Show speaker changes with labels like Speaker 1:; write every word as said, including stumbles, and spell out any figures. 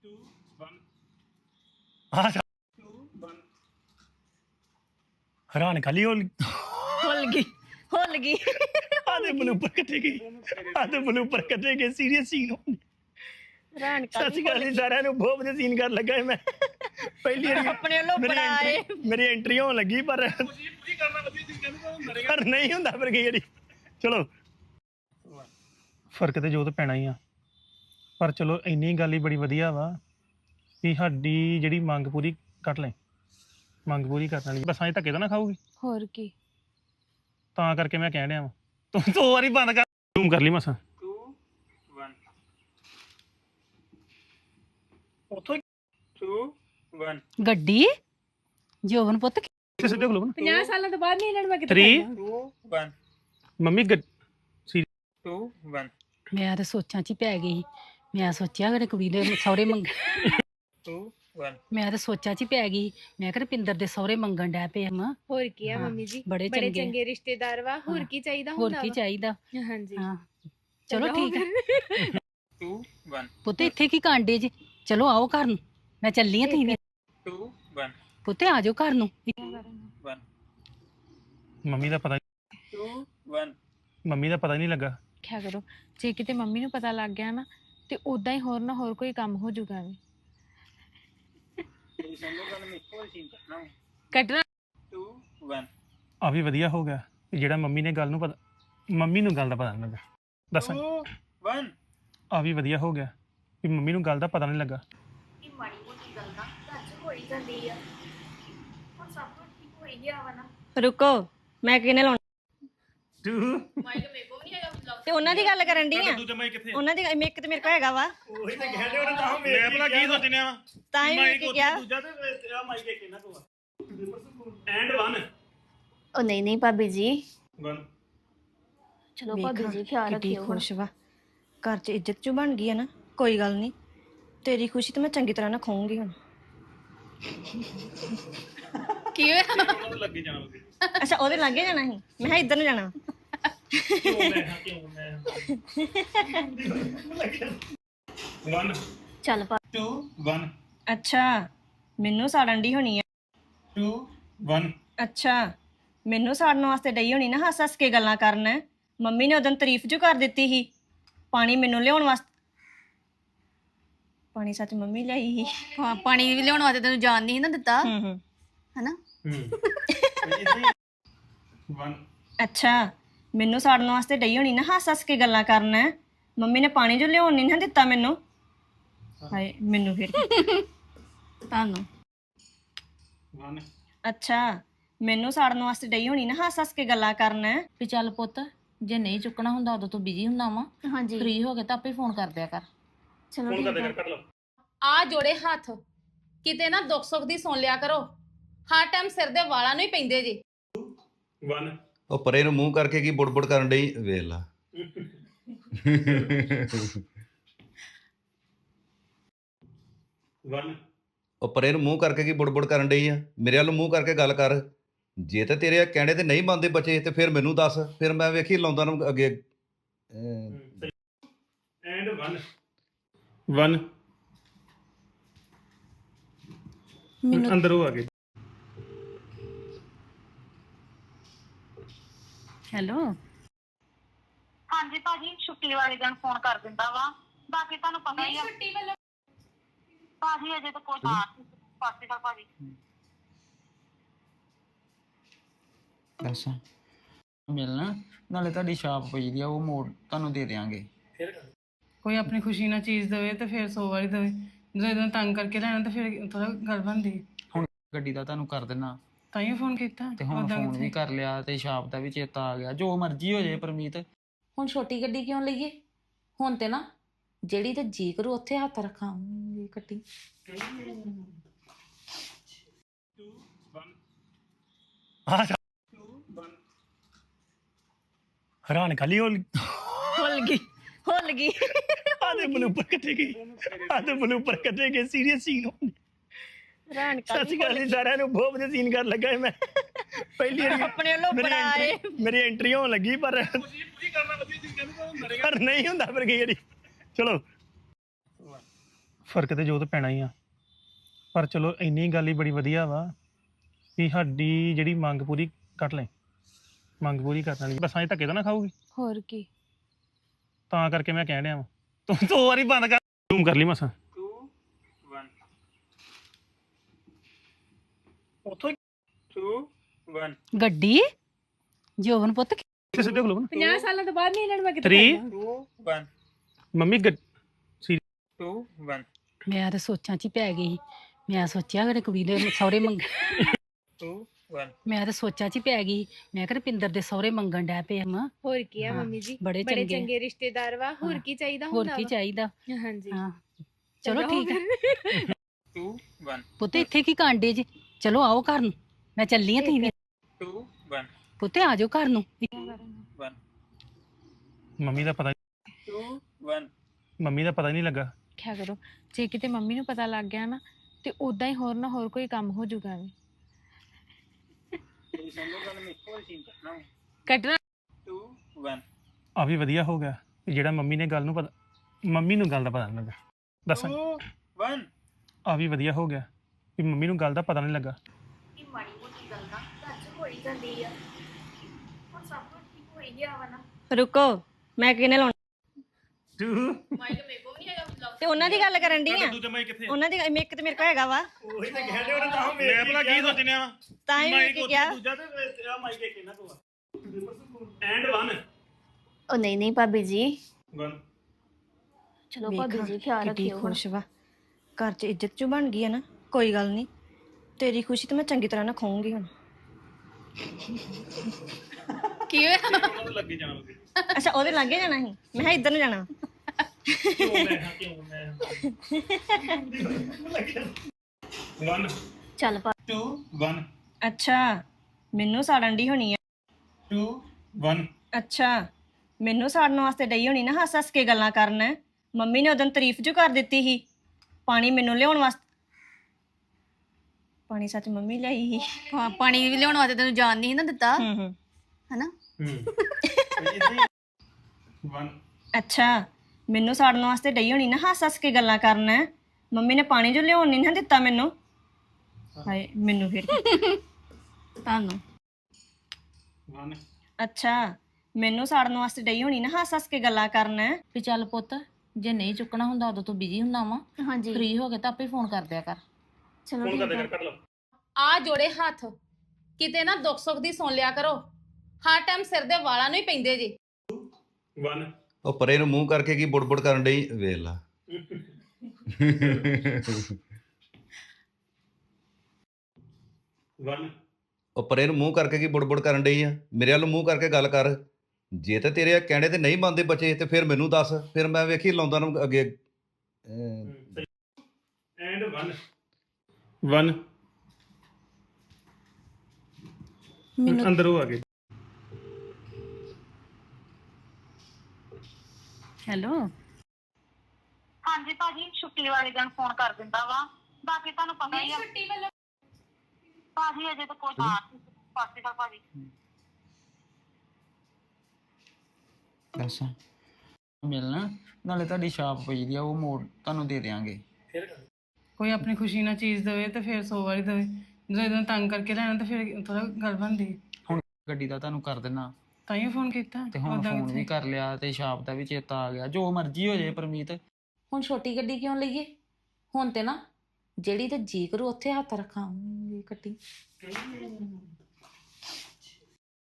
Speaker 1: हाँ हैरान खाली हो
Speaker 2: भुल गई भुल गई
Speaker 1: आधे ब्लूपर कटेगी आधे ब्लूपर कटेगे सीरियस सीन हो
Speaker 2: हैरान
Speaker 1: सत श्री अकाल जी साਰਿਆਂ ਨੂੰ ਬਹੁਤ ਵਧੀਆ ਸੀਨ ਕਰ ਲੱਗਾ ਮੈਂ ਪਹਿਲੀ ਵਾਰੀ
Speaker 2: ਆਪਣੇ ਵੱਲੋਂ
Speaker 1: ਮੇਰੀ
Speaker 2: ਬੜਾ ਆਏ
Speaker 1: entry- ਮੇਰੀ ਐਂਟਰੀ ਹੋਣ ਲੱਗੀ ਪਰ ਪਰ ਨਹੀਂ ਹੁੰਦਾ ਫਿਰ ਕਈ ਵਾਰੀ ਚਲੋ ਫਰਕ ਤੇ ਜੋ ਤਾਂ ਪੈਣਾ ਹੀ ਆ ਪਰ ਚਲੋ ਇੰਨੀ ਗੱਲ ਹੀ ਬੜੀ ਵਧੀਆ ਵਾ ਕਿ ਸਾਡੀ ਜਿਹੜੀ ਮੰਗ ਪੂਰੀ ਕੱਟ ਲੈ ਮੰਗ ਪੂਰੀ ਕਰਨ ਵਾਲੀ ਬਸਾਂ ਧੱਕੇ ਤਾਂ ਨਾ ਖਾਊਗੀ
Speaker 2: ਹੋਰ ਕੀ
Speaker 1: ਤਾਂ ਕਰਕੇ ਮੈਂ ਕਹਿਣ ਡਿਆ ਵਾਂ ਤੂੰ ਦੋ ਵਾਰੀ ਬੰਦ ਕਰ ਜ਼ੂਮ ਕਰ ਲਈ ਮਸਾਂ ਉੱਥੋਂ
Speaker 2: ਗੱਡੀ ਜੋਬਨ ਪੁੱਤ
Speaker 1: ਕਿੱਥੇ ਸਿੱਧੇ ਖਲੋ
Speaker 2: ਪੰਜਾਹ ਸਾਲਾਂ ਤੋਂ ਬਾਅਦ ਨਹੀਂ ਇਹਨਾਂ ਨੂੰ ਮੈਂ ਕਿਤੇ
Speaker 1: three ਮੰਮੀ ਗੱਡ
Speaker 2: ਮੈਂ ਤਾਂ ਸੋਚਾਂ ਚ ਹੀ ਪੈ ਗਈ ਮੈਂ ਸੋਚਿਆ ਕਿ ਕੁੜੀ ਦੇ ਸਹੁਰੇ ਮੰਗ ਮੈਂ ਤਾਂ ਸੋਚਾਂ ਚ ਹੀ ਪੈ ਗਈ ਮੈਂ ਕਿਹਾ ਪਿੰਦਰ ਦੇ ਸਹੁਰੇ ਮੰਗਣ ਡੈ ਪਏ ਮਾਂ
Speaker 3: ਹੋਰ ਕੀ ਆ ਮੰਮੀ ਜੀ
Speaker 2: ਬੜੇ
Speaker 3: ਬੜੇ
Speaker 2: ਚੰਗੇ
Speaker 3: ਚੰਗੇ ਰਿਸ਼ਤੇਦਾਰ ਵਾ ਹੋਰ ਕੀ ਚਾਹੀਦਾ
Speaker 2: ਹੋਰ
Speaker 3: ਹੁੰਦਾ
Speaker 2: ਕੀ ਚਾਹੀਦਾ
Speaker 3: ਵਾ? ਹਾਂਜੀ
Speaker 2: ਹਾਂ ਚਲੋ ਠੀਕ ਹੈ ਪੁੱਤ ਇੱਥੇ ਕੀ ਕਾਂਡੇ ਜੀ ਚਲੋ ਆਓ ਘਰ ਨੂੰ ਮੈਂ ਚੱਲੀ ਆ ਤੁਸੀਂ ਵੀ ਪੁੱਤ ਆ ਜਾਓ ਘਰ ਨੂੰ
Speaker 1: ਮੰਮੀ ਦਾ ਪਤਾ ਮੰਮੀ ਦਾ ਪਤਾ ਹੀ ਨਹੀਂ ਲੱਗਾ
Speaker 3: ਕਿਆ ਕਰੋ ਜੇ ਕਿਤੇ ਮੰਮੀ ਨੂੰ ਪਤਾ ਲੱਗ ਗਿਆ ਨਾ ਤੇ ਉਦਾਂ ਹੀ ਹੋਰ ਨਾ ਹੋਰ ਕੋਈ ਕੰਮ ਹੋ ਜਾਊਗਾ ਵੀ ਕੱਟਣਾ
Speaker 1: ਆ ਵੀ ਵਧੀਆ ਹੋ ਗਿਆ ਕਿ ਜਿਹੜਾ ਮੰਮੀ ਨੇ ਗੱਲ ਨੂੰ ਪਤਾ ਮੰਮੀ ਨੂੰ ਗੱਲ ਦਾ ਪਤਾ ਨਹੀਂ ਲੱਗਾ ਦੱਸ ਆ ਵੀ ਵਧੀਆ ਹੋ ਗਿਆ ਕਿ ਮੰਮੀ ਨੂੰ ਗੱਲ ਦਾ ਪਤਾ ਨਹੀਂ ਲੱਗਾ
Speaker 4: ਕਿ ਮਾੜੀ ਮੋਟੀ ਗੱਲ ਨਾ ਘਰ ਚ ਹੋਈ ਜਾਂਦੀ ਆ ਹੁਣ ਸਭ ਕੁਝ ਠੀਕ ਹੋਈ ਗਿਆ ਵਾ ਨਾ
Speaker 2: ਰੁਕੋ ਮੈਂ ਕਿਹਨੇ ਲਾਉਣਾ
Speaker 1: ਟੂ
Speaker 4: ਮਾਈਕ ਮੇਰੇ ਕੋਲ ਨਹੀਂ ਹੈਗਾ
Speaker 2: ਤੇ ਉਹਨਾਂ ਦੀ ਗੱਲ ਕਰਨ ਦੀ ਆ
Speaker 1: ਦੂਜਾ ਮਾਈ ਕਿੱਥੇ
Speaker 2: ਉਹਨਾਂ ਦੀ ਇੱਕ ਤੇ ਮੇਰੇ ਕੋਲ ਹੈਗਾ ਵਾ
Speaker 1: ਉਹੀ ਤੇ ਕਹਿੰਦੇ ਉਹਨੇ ਤਾਂ ਮੈਂ ਭਲਾ ਕੀ ਸੋਚਣਿਆ ਵਾ
Speaker 2: ਤਾਂ ਹੀ ਮੈਂ ਕੀ ਕਿਹਾ
Speaker 1: ਦੂਜਾ ਤੇ ਆ ਮਾਈਕ ਇੱਕ ਇਹਨਾਂ ਕੋਲ ਐਂਡ ਵਨ
Speaker 4: ਉਹ ਨਹੀਂ ਨਹੀਂ ਭਾਬੀ ਜੀ
Speaker 1: ਵਨ
Speaker 4: ਚਲੋ ਭਾਬੀ ਜੀ ਖਿਆਲ
Speaker 2: ਕਿੱਡੀ
Speaker 4: ਰੱਖਿਓ
Speaker 2: ਖੁਸ਼ ਵਾ ਘਰ 'ਚ ਇੱਜ਼ਤ ਚੋਂ ਬਣ ਗਈ ਆ ਨਾ ਕੋਈ ਗੱਲ ਨਹੀਂ ਤੇਰੀ ਖੁਸ਼ੀ ਤਾਂ ਮੈਂ ਚੰਗੀ ਤਰ੍ਹਾਂ ਨਾਲ ਖਾਊਂਗੀ ਹੁਣ
Speaker 3: ਕੀ ਹੋਇਆ
Speaker 1: ਲੱਗੇ ਜਾਣਗੇ
Speaker 2: ਅੱਛਾ ਉਹਦੇ ਲਾਗੇ ਜਾਣਾ ਸੀ ਮੈਂ ਕਿਹਾ ਇੱਧਰ ਨੂੰ ਜਾਣਾ
Speaker 1: ਕਿਉਂ ਮੈਂ ਕਿਉਂ ਮੈਂ ਵਨ
Speaker 4: ਚੱਲ ਭਾ
Speaker 1: ਟੂ ਵਨ
Speaker 2: ਅੱਛਾ ਮੈਨੂੰ ਸਾੜਨ ਦੀ ਹੋਣੀ ਆ
Speaker 1: ਟੂ ਵਨ
Speaker 2: ਅੱਛਾ ਮੈਨੂੰ ਸਾੜਨ ਵਾਸਤੇ ਡਈ ਹੋਣੀ ਨਾ ਹੱਸ ਹੱਸ ਕੇ ਗੱਲਾਂ ਕਰਨ ਮੰਮੀ ਨੇ ਉਦੋਂ ਤਾਰੀਫ ਜੋ ਕਰ ਦਿੱਤੀ ਸੀ ਪਾਣੀ ਮੈਨੂੰ ਲਿਆਉਣ ਵਾਸਤੇ ਪਾਣੀ ਸੱਚ ਮੰਮੀ ਲਿਆਈ ਸੀ
Speaker 4: ਹਾਂ ਪਾਣੀ ਵੀ ਲਿਆਉਣ ਵਾਸਤੇ ਤੈਨੂੰ ਜਾਣ ਨਹੀਂ ਨਾ ਦਿੱਤਾ
Speaker 2: ਹੂੰ ਹੂੰ
Speaker 4: ਹਨਾ
Speaker 1: ਵਨ
Speaker 2: ਅੱਛਾ ਮੈਨੂੰ ਸਾੜਨ ਵਾਸਤੇ ਡਈ ਹੋਣੀ ਨਾ ਹੱਸ ਹੱਸ ਕੇ ਗੱਲਾਂ ਕਰਨ ਮੰਮੀ ਨੇ ਪਾਣੀ ਜੋ ਲਿਆਉਣ ਨਹੀਂ ਨਾ ਦਿੱਤਾ ਮੈਨੂੰ ਹਾਏ ਮੈਨੂੰ ਫਿਰ
Speaker 4: ਤੁਹਾਨੂੰ
Speaker 1: ਵਨ
Speaker 2: ਅੱਛਾ ਮੈਨੂੰ ਸਾੜਨ ਵਾਸਤੇ ਡਈ ਹੋਣੀ ਨਾ ਹੱਸ ਹੱਸ ਕੇ ਗੱਲਾਂ ਕਰਨ
Speaker 5: ਵੀ ਚੱਲ ਪੁੱਤ ਜੇ ਨਹੀਂ ਚੁੱਕਣਾ ਹੁੰਦਾ ਉਦੋਂ ਤੂੰ ਬਿਜੀ ਹੁੰਦਾ ਵਾ
Speaker 4: ਹਾਂਜੀ
Speaker 5: ਫ੍ਰੀ ਹੋ ਕੇ ਤਾਂ ਆਪੇ ਫੋਨ ਕਰ ਦਿਆ ਕਰ
Speaker 4: ਚਲੋ
Speaker 1: ਫੋਨ
Speaker 4: ਠੀਕ
Speaker 1: ਕਰਦੇ
Speaker 4: ਆ
Speaker 1: ਕਰ ਕੱਟ ਲਓ
Speaker 5: ਆ ਜੋੜੇ ਹੱਥ ਕਿਤੇ ਨਾ ਦੁੱਖ ਸੁੱਖ ਦੀ ਸੁਣ ਲਿਆ ਕਰੋ ਹਰ ਟਾਈਮ ਸਿਰ ਦੇ ਵਾਲਾਂ ਨੂੰ ਹੀ ਪੈਂਦੇ ਜੀ
Speaker 1: ਵਨ
Speaker 6: ਉਹ ਪਰੇ ਨੂੰ ਮੂੰਹ ਕਰਕੇ ਕੀ ਬੁੜਬੁੜ ਕਰਨ ਡਈ ਵੇਖ ਲਾ
Speaker 1: ਵਨ
Speaker 6: ਉਹ ਪਰੇ ਨੂੰ ਮੂੰਹ ਕਰਕੇ ਕੀ ਬੁੜਬੁੜ ਕਰਨ ਡਈ ਆ ਮੇਰੇ ਵੱਲ ਮੂੰਹ ਕਰਕੇ ਗੱਲ ਕਰ ਜੇ ਤੇ ਤੇਰੇ ਕਹਿਣੇ ਤੇ ਨਹੀਂ ਮੰਨਦੇ ਬੱਚੇ ਤੇ ਫਿਰ ਮੈਨੂੰ ਦੱਸ ਫਿਰ ਮੈਂ ਵੇਖੀ ਲਾਉਂਦਾ ਨੂੰ ਅੱਗੇ ਅਹ,
Speaker 1: ਐਂਡ ਵਨ ਵਨ ਅੰਦਰ ਹੋ ਆ ਗਏ
Speaker 2: ਹੈਲੋ
Speaker 7: ਹਾਂਜੀ ਭਾਜੀ ਛੁੱਟੀ ਵਾਲੇ ਦਿਨ ਫੋਨ ਕਰ ਦਿੰਦਾ ਵਾ ਬਾਕੀ ਤੁਹਾਨੂੰ ਪਤਾ ਹੀ ਆ ਛੁੱਟੀ ਵਾਲਾ ਭਾਜੀ ਅਜੇ ਤਾਂ ਕੋਈ ਹਾਂ ਪਾਸੇ ਦਾ ਭਾਜੀ
Speaker 8: ਦੱਸ ਮਿਲਣਾ ਨਾਲੇ ਤੁਹਾਡੀ ਛਾਪ ਪਈ ਦੀ ਆ ਉਹ ਮੋੜ ਤੁਹਾਨੂੰ ਦੇ ਦੇਵਾਂਗੇ
Speaker 9: ਕੋਈ ਆਪਣੀ ਖੁਸ਼ੀ ਨਾਲ ਚੀਜ਼ ਦੇਵੇ ਤੇ ਫਿਰ ਸੌ ਵਾਰੀ ਦੇਵੇ ਜਦੋਂ ਇਦਾਂ ਤੰਗ ਕਰਕੇ ਲੈਣਾ ਤਾਂ ਫਿਰ ਥੋੜਾ ਗੱਲ ਬਣਦੀ
Speaker 8: ਹੁਣ ਗੱਡੀ ਦਾ ਤੁਹਾਨੂੰ ਕਰ ਦੇਣਾ
Speaker 9: ਤਾਂ ਹੀ ਫੋਨ ਕੀਤਾ
Speaker 8: ਤੇ ਹੁਣ
Speaker 9: ਓਦਾਂ
Speaker 8: ਫੋਨ
Speaker 9: ਕਿੱਥੇ?
Speaker 8: ਵੀ ਕਰ ਲਿਆ ਤੇ ਛਾਪ ਦਾ ਵੀ ਚੇਤਾ ਆ ਗਿਆ ਜੋ ਮਰਜ਼ੀ ਹੋ ਜਾਏ ਪਰਮੀਤ
Speaker 5: ਹੁਣ ਛੋਟੀ ਗੱਡੀ ਕਿਉਂ ਲਈਏ ਹੁਣ ਤੇ ਨਾ ਜਿਹੜੀ ਤੇ ਜੀ ਕਰੂ ਉੱਥੇ ਹੱਥ ਰੱਖਾਂ ਇਹ ਕੱਟੀ
Speaker 1: ਹਾਂ ਹੈਰਾਨ ਖਾਲੀ ਹੋ
Speaker 2: ਭੁੱਲ ਗਈ ਭੁੱਲ ਗਈ
Speaker 1: ਆਧੇ ਬਲੂਪਰ ਕਟੇਗੇ ਆਧੇ ਬਲੂਪਰ ਕਟੇਗੇ ਸੀਰੀਅਸ ਸੀਨ ਹੋ
Speaker 2: ਹੈਰਾਨ
Speaker 1: ਸਤਿ ਸ਼੍ਰੀ ਅਕਾਲ ਜੀ ਸਾਰਿਆਂ ਨੂੰ ਬਹੁਤ ਵਧੀਆ ਸੀਨ ਕਰ ਲੱਗਾ ਮੈਂ ਪਹਿਲੀ ਵਾਰੀ
Speaker 2: ਆਪਣੇ ਵੱਲੋਂ
Speaker 1: ਮੇਰੀ
Speaker 2: ਬੜਾ ਆਏ
Speaker 1: entry- ਮੇਰੀ ਐਂਟਰੀ ਹੋਣ ਲੱਗੀ ਪਰ ਪਰ ਨਹੀਂ ਹੁੰਦਾ ਫਿਰ ਕਈ ਵਾਰੀ ਚਲੋ ਫਰਕ ਤੇ ਜੋ ਤੇ ਪੈਣਾ ਹੀ ਆ ਪਰ ਚਲੋ ਇੰਨੀ ਗੱਲ ਹੀ ਬੜੀ ਵਧੀਆ ਵਾ ਵੀ ਸਾਡੀ ਜਿਹੜੀ ਮੰਗ ਪੂਰੀ ਕੱਟ ਲੈ ਮੰਗ ਪੂਰੀ ਕਰ ਲੈਣੀ ਬਸ ਐਂ ਧੱਕੇ ਤਾਂ ਨਾ ਖਾਊਗੀ
Speaker 3: ਹੋਰ ਕੀ
Speaker 1: ਤਾਂ ਕਰਕੇ ਮੈਂ ਕਹਿਣ ਡਿਆ ਵਾ ਤੂੰ ਦੋ ਵਾਰੀ ਬੰਦ ਕਰ ਜ਼ੂਮ ਕਰ ਲਈ ਮਸਾਂ ਟੂ ਵਨ ਉੱਥੋਂ ਟੂ ਵਨ
Speaker 2: ਗੱਡੀ ਜੋਬਨ ਪੁੱਤ
Speaker 1: ਕਿੱਥੇ ਸਿੱਧੇ ਖਲੋ ਨਾ
Speaker 9: ਪੰਜਾਹ ਸਾਲਾਂ ਤੋਂ ਬਾਅਦ ਨਹੀਂ ਇਹਨਾਂ ਨੂੰ ਮੈਂ ਕਿਤੇ
Speaker 1: ਥ੍ਰੀ
Speaker 6: ਟੂ ਵਨ
Speaker 1: ਮੰਮੀ ਗੱਡ
Speaker 6: ਟੂ ਵਨ
Speaker 2: ਮੈਂ ਤਾਂ ਸੋਚਾਂ 'ਚ ਹੀ ਪੈ ਗਈ ਸੀ। ਮੈਂ ਸੋਚਿਆ ਕਿ ਕੁੜੀ ਦੇ ਸਹੁਰੇ ਮੰਗ
Speaker 6: ਟੂ ਵਨ
Speaker 2: ਮੈਂ ਤਾਂ ਸੋਚਾਂ 'ਚ ਹੀ ਪੈ ਗਈ ਮੈਂ ਕਿਹਾ ਰੁਪਿੰਦਰ ਦੇ ਸਹੁਰੇ ਮੰਗਣ ਡੈ ਪਏ ਮਾਂ
Speaker 3: ਹੋਰ ਕੀ ਆ
Speaker 2: ਹਾਂ,
Speaker 3: ਮੰਮੀ ਜੀ
Speaker 2: ਬੜੇ
Speaker 3: ਬੜੇ
Speaker 2: ਚੰਗੇ
Speaker 3: ਚੰਗੇ ਰਿਸ਼ਤੇਦਾਰ ਵਾ ਹੋਰ
Speaker 2: ਹਾਂ,
Speaker 3: ਕੀ ਚਾਹੀਦਾ
Speaker 2: ਹੋਰ
Speaker 3: ਹੁੰਦਾ
Speaker 2: ਕੀ
Speaker 3: ਵਾ?
Speaker 2: ਚਾਹੀਦਾ
Speaker 3: ਹਾਂਜੀ
Speaker 2: ਹਾਂ ਚਲੋ ਠੀਕ ਹੈ
Speaker 6: ਟੂ ਵਨ
Speaker 2: ਪੁੱਤ ਇੱਥੇ ਕੀ ਕਾਂਡੇ ਜੀ ਚਲੋ ਆਓ ਘਰ ਨੂੰ ਮੈਂ ਚੱਲੀ ਆ ਤੁਸੀਂ
Speaker 6: ਟੂ ਵਨ
Speaker 2: ਪੁੱਤੇ ਆ ਜਾਓ ਘਰ ਨੂੰ
Speaker 6: ਵਨ
Speaker 1: ਮੰਮੀ ਦਾ ਪਤਾ
Speaker 6: ਟੂ ਵਨ
Speaker 1: ਮੰਮੀ ਦਾ ਪਤਾ ਹੀ ਨਹੀਂ ਲੱਗਾ
Speaker 3: ਕਿਆ ਕਰੋ ਜੇ ਕਿਤੇ ਮੰਮੀ ਨੂੰ ਪਤਾ ਲੱਗ ਗਿਆ ਨਾ ਤੇ ਉਦਾਂ ਹੀ ਹੋਰ ਨਾ ਹੋਰ ਕੋਈ ਕੰਮ ਹੋ ਜਾਊਗਾ ਵੀ ਕੱਟਣਾ
Speaker 6: ਟੂ ਵਨ
Speaker 1: ਆ ਵੀ ਵਧੀਆ ਹੋ ਗਿਆ ਵੀ ਜਿਹੜਾ ਮੰਮੀ ਨੇ ਗੱਲ ਨੂੰ ਪਤਾ ਮੰਮੀ ਨੂੰ ਗੱਲ ਦਾ ਪਤਾ ਨਹੀਂ ਲੱਗਾ ਦੱਸਾਂ
Speaker 6: ਟੂ ਵਨ
Speaker 2: ਆ ਵੀ ਵਧੀਆ ਹੋ ਗਿਆ ਵੀ ਮੰਮੀ ਨੂੰ ਗੱਲ ਦਾ ਪਤਾ ਨਹੀਂ ਲੱਗਾ
Speaker 4: ਇਹ ਮਾੜੀ ਮੋਟੀ ਗੱਲ ਨਾ ਘਰ 'ਚ ਹੋਈ ਜਾਂਦੀ ਆ ਹੁਣ ਸਭ ਕੁਝ ਠੀਕ ਹੋਈ ਗਿਆ ਵਾ ਨਾ
Speaker 10: ਰੁਕੋ ਮੈਂ ਕਿਹਨੇ ਲਾਉਣਾ
Speaker 1: ਟੂ
Speaker 4: ਮਾਈਕ ਮੇਰੇ ਕੋਲ ਨਹੀਂ ਹੈਗਾ
Speaker 10: ਤੇ ਉਹਨਾਂ ਦੀ ਗੱਲ ਕਰਨ ਡਈ ਆ
Speaker 1: ਦੂਜਾ ਮਾਈ ਕਿੱਥੇ
Speaker 10: ਉਹਨਾਂ ਦੀ ਮੇਕ ਤੇ ਮੇਰੇ ਕੋਲ ਹੈਗਾ ਵਾ
Speaker 1: ਉਹੀ ਤਾਂ ਕਹਿ ਰਿਹਾ ਉਹਨੇ ਤਾਂ ਮੈਂ ਭਲਾ ਕੀ ਸੋਚਣਿਆ ਵਾ
Speaker 10: ਤਾਂ ਹੀ ਮੈਂ ਕੀ ਕਿਹਾ
Speaker 1: ਦੂਜਾ ਤੇ ਆ ਮਾਈ ਕੇ ਕਿੰਨਾ ਕੋਆ ਐਂਡ ਵਨ
Speaker 4: ਉਹ ਨਹੀਂ ਨਹੀਂ ਭਾਬੀ ਜੀ
Speaker 1: ਵਨ
Speaker 4: ਚਲੋ ਭਾਬੀ ਜੀ ਖਿਆਲ
Speaker 10: ਕਿੱਡੀ
Speaker 4: ਰੱਖਿਓ
Speaker 10: ਖੁਸ਼ ਵਾ ਘਰ 'ਚ ਇੱਜ਼ਤ ਚ ਬਣ ਗਈ ਆ ਨਾ ਕੋਈ ਗੱਲ ਨਹੀਂ ਤੇਰੀ ਖੁਸ਼ੀ ਤੇ ਮੈਂ ਚੰਗੀ ਤਰ੍ਹਾਂ ਨਾ ਖਾਊਂਗੀ ਹੁਣ
Speaker 5: ਕੀ ਹੋਇਆ
Speaker 1: ਲੱਗੇ ਜਾਣਾ ਲੱਗੇ
Speaker 10: ਅੱਛਾ ਉਹਦੇ ਲਾਗੇ ਜਾਣਾ ਸੀ ਮੈਂ ਕਿਹਾ ਇੱਧਰ ਨੂੰ ਜਾਣਾ
Speaker 1: ਕਿਉਂ ਮੈਂ ਹਾਂ ਕਿਉਂ ਮੈਂ ਵਨ
Speaker 4: ਚੱਲ ਭਾ
Speaker 1: ਟੂ ਵਨ
Speaker 10: ਅੱਛਾ ਮੈਨੂੰ ਸਾੜਨ ਦੀ ਹੋਣੀ ਆ
Speaker 1: ਟੂ ਵਨ
Speaker 10: ਅੱਛਾ ਮੈਨੂੰ ਸਾੜਨ ਵਾਸਤੇ ਡਈ ਹੋਣੀ ਨਾ ਹੱਸ ਹੱਸ ਕੇ ਗੱਲਾਂ ਕਰਨ ਮੰਮੀ ਨੇ ਉਦੋਂ ਤਾਰੀਫ ਜੋ ਕਰ ਦਿੱਤੀ ਸੀ ਪਾਣੀ ਮੈਨੂੰ ਲਿਆਉਣ ਵਾਸਤੇ ਪਾਣੀ ਸੱਚ ਮੰਮੀ ਲਿਆਈ ਸੀ
Speaker 5: ਪਾਣੀ ਵੀ ਲਿਆਉਣ ਵਾਸਤੇ ਤੈਨੂੰ ਜਾਣ ਨਹੀਂ ਸੀ ਨਾ ਦਿੱਤਾ
Speaker 10: ਹੂੰ ਹੂੰ
Speaker 5: ਹਨਾ
Speaker 1: ਵਨ
Speaker 10: ਅੱਛਾ ਮੈਨੂੰ ਸਾੜਨ ਵਾਸਤੇ ਡਈ ਹੋਣੀ ਨਾ ਹੱਸ ਹੱਸ ਕੇ ਗੱਲਾਂ ਕਰਨ ਮੰਮੀ ਨੇ ਪਾਣੀ ਜੋ ਲਿਆਉਣ ਨਹੀਂ ਨਾ ਦਿੱਤਾ ਮੈਨੂੰ ਹਾਏ ਮੈਨੂੰ ਫਿਰ
Speaker 5: ਤੁਹਾਨੂੰ
Speaker 1: ਵਨ
Speaker 10: ਅੱਛਾ ਮੈਨੂੰ ਸਾੜਨ ਵਾਸਤੇ ਡਈ ਹੋਣੀ ਨਾ ਹੱਸ ਹੱਸ ਕੇ ਗੱਲਾਂ ਕਰਨ
Speaker 5: ਵੀ ਚੱਲ ਪੁੱਤ ਜੇ ਨਹੀਂ ਚੁੱਕਣਾ ਹੁੰਦਾ ਉਦੋਂ ਤੂੰ ਬਿਜੀ ਹੁੰਦਾ ਵਾ
Speaker 4: ਹਾਂਜੀ
Speaker 5: ਫ੍ਰੀ ਹੋ ਕੇ ਤਾਂ ਆਪੇ ਫੋਨ ਕਰ ਦਿਆ ਕਰ
Speaker 4: ਚਲੋ
Speaker 1: ਫੋਨ
Speaker 4: ਠੀਕ
Speaker 1: ਕਰ ਦੇ
Speaker 4: ਆ
Speaker 1: ਕਰ ਕੱਟ ਲਓ
Speaker 5: ਆ ਜੋੜੇ ਹੱਥ ਕਿਤੇ ਨਾ ਦੁੱਖ ਸੁੱਖ ਦੀ ਸੁਣ ਲਿਆ ਕਰੋ ਹਰ ਟਾਈਮ ਸਿਰ ਦੇ ਵਾਲਾਂ ਨੂੰ ਹੀ ਪੈਂਦੇ ਜੀ
Speaker 1: ਵਨ
Speaker 6: ਉਹ ਪਰੇ ਨੂੰ ਮੂੰਹ ਕਰਕੇ ਕੀ ਬੁੜਬੁੜ ਕਰਨ ਡਈ ਵੇਖ ਲਾ
Speaker 1: ਵਨ
Speaker 6: ਉਹ ਪਰੇ ਨੂੰ ਮੂੰਹ ਕਰਕੇ ਕੀ ਬੁੜਬੁੜ ਕਰਨ ਡਈ ਆ ਮੇਰੇ ਵੱਲ ਮੂੰਹ ਕਰਕੇ ਗੱਲ ਕਰ ਜੇ ਤੇ ਤੇਰੇ ਕਹਿਣੇ ਤੇ ਨਹੀਂ ਮੰਨਦੇ ਬੱਚੇ ਤੇ ਫਿਰ ਮੈਨੂੰ ਦੱਸ ਫਿਰ ਮੈਂ ਵੇਖੀ ਲਾਉਂਦਾ ਨੂੰ ਅੱਗੇ ਅਹ,
Speaker 1: ਐਂਡ ਵਨ ਵਨ ਅੰਦਰੋਂ ਆ ਗਏ
Speaker 2: ਹੈਲੋ
Speaker 7: ਹਾਂਜੀ ਭਾਜੀ ਛੁੱਟੀ ਵਾਲੇ ਦਿਨ ਫੋਨ ਕਰ ਦਿੰਦਾ ਵਾ ਬਾਕੀ ਤੁਹਾਨੂੰ ਪਤਾ ਹੀ ਆ ਛੁੱਟੀ ਵੱਲੋਂ ਭਾਜੀ ਅਜੇ ਤਾਂ ਕੋਈ ਹਾਂ ਪਾਸੇ ਦਾ ਭਾਜੀ
Speaker 8: ਦੱਸ ਮਿਲਣਾ ਨਾਲੇ ਤੁਹਾਡੀ ਛਾਪ ਪਈ ਦੀ ਆ ਉਹ ਮੋੜ ਤੁਹਾਨੂੰ ਦੇ ਦੇਵਾਂਗੇ
Speaker 9: ਕੋਈ ਆਪਣੀ ਖੁਸ਼ੀ ਨਾਲ ਚੀਜ਼ ਦੇਵੇ ਤੇ ਫਿਰ ਸੌ ਵਾਰੀ ਦੇਵੇ ਜਦੋਂ ਇਦਾਂ ਤੰਗ ਕਰਕੇ ਲੈਣਾ ਤਾਂ ਫਿਰ ਥੋੜਾ ਗੱਲ ਬਣਦੀ ਹੈ।
Speaker 8: ਹੁਣ ਗੱਡੀ ਦਾ ਤੁਹਾਨੂੰ ਕਰ ਦੇਣਾ
Speaker 9: ਤਾਂ ਹੀ ਫੋਨ ਕੀਤਾ
Speaker 8: ਤੇ ਹੁਣ
Speaker 9: ਓਦਾਂ
Speaker 8: ਫੋਨ
Speaker 9: ਕਿੱਥੇ?
Speaker 8: ਵੀ ਕਰ ਲਿਆ ਤੇ ਛਾਪ ਦਾ ਵੀ ਚੇਤਾ ਆ ਗਿਆ ਜੋ ਮਰਜ਼ੀ ਹੋ ਜਾਏ ਪਰਮੀਤ
Speaker 5: ਹੁਣ ਛੋਟੀ ਗੱਡੀ ਕਿਉਂ ਲਈਏ ਹੁਣ ਤੇ ਨਾ ਜਿਹੜੀ ਤੇ ਜੀ ਕਰੂ ਉੱਥੇ ਹੱਥ ਰੱਖਾਂ ਗੱਡੀ